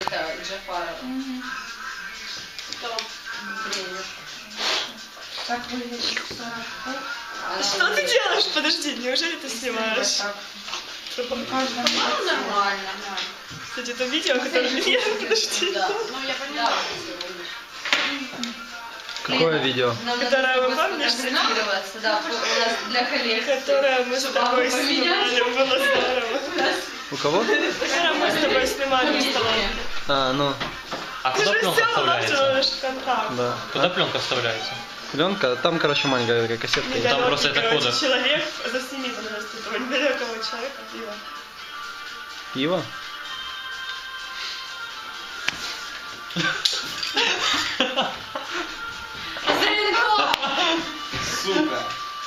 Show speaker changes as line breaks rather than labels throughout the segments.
Это Джафарова.
Так выглядит 40.
Что ты делаешь? Подожди, неужели ты снимаешь?
Нормально.
Кстати, это видео, которое... Нет, подожди.
Да, ну я поняла.
Какое видео?
Которое вы помнишь?
Фотографироваться, да, у нас для коллег.
Которое мы с тобой снимали, было здорово.
У кого?
Которое мы с тобой снимали в столовой.
А, ну,
А
Ты
куда
же
пленка
все
вставляется?
в контакт.
да.
Куда пленка вставляется?
Пленка, там, короче, маленькая такая кассетка есть.
Там просто это
короче,
кода.
человек, засними, пожалуйста, этого недалекого человека, пиво.
Пиво?
Сука.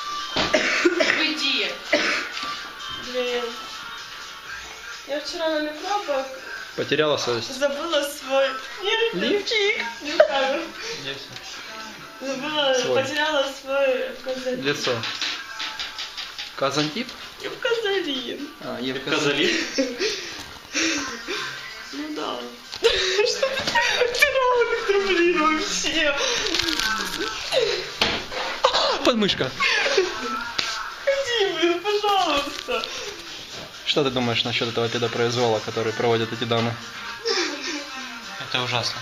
Уйди.
Блин. Я вчера на метро
Потеряла совесть.
забыла свой... Нет,
Лифчик.
не знаю.
Где все?
Забыла,
Свой.
потеряла свой казалин.
Лицо. Казантип?
Евказалин.
А, Евказантип.
Казали?
Ну да. Что ты делаешь, блин, вообще?
Подмышка.
Ходи, блин, пожалуйста.
Что ты думаешь насчет этого педопроизвола, который проводят эти дамы?
Это ужасно.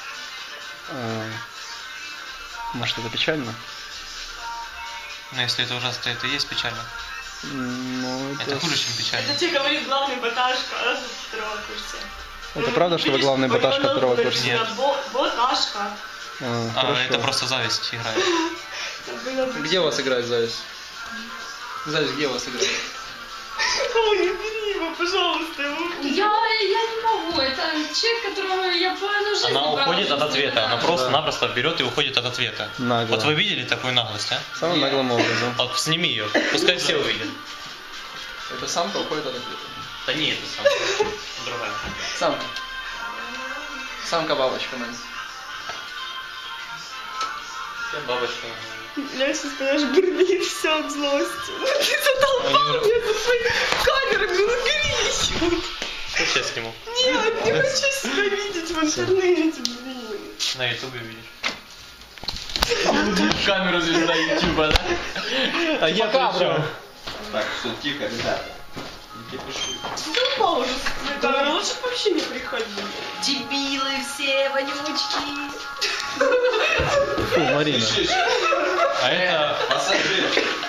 Может, это печально?
Но если это ужасно, то это и есть печально.
Ну,
Это хуже, чем печально.
Это тебе говорит главный баташка второго курса.
Это правда, что вы главный баташка второго курса?
Нет.
Баташка.
Это просто зависть играет.
Где у вас играет зависть? Зависть, где у вас играет?
Ой, не бери его, пожалуйста.
Я не могу. Это человек, которого я половину жизни
Она
брала,
уходит от
чтобы
ответа.
забрать.
Она просто-напросто берет и уходит от ответа.
Нагло.
Вот вы видели такую наглость, а?
Самым наглым образом.
Вот сними ее. Пускай все увидят.
Это самка уходит от ответа.
Да не, это сам. Другая.
Самка. Самка-бабочка, Нэнси.
Я бабочка.
Я сейчас, понимаешь, бурлит все от злости. Ты задолбал меня со своей камерами, ну убери ее.
Что я сниму?
Нет, не хочу себя видеть в интернете, блин.
На ютубе видишь. Камеру звезда ютуба, да? А я при чем?
Так, все, тихо, ребята. Не кипишуй.
Задолбал уже со своей камерой, лучше бы вообще не приходи.
Дебилы все, вонючки.
Фу, Марина.
Пиши,
А это...
пассажир.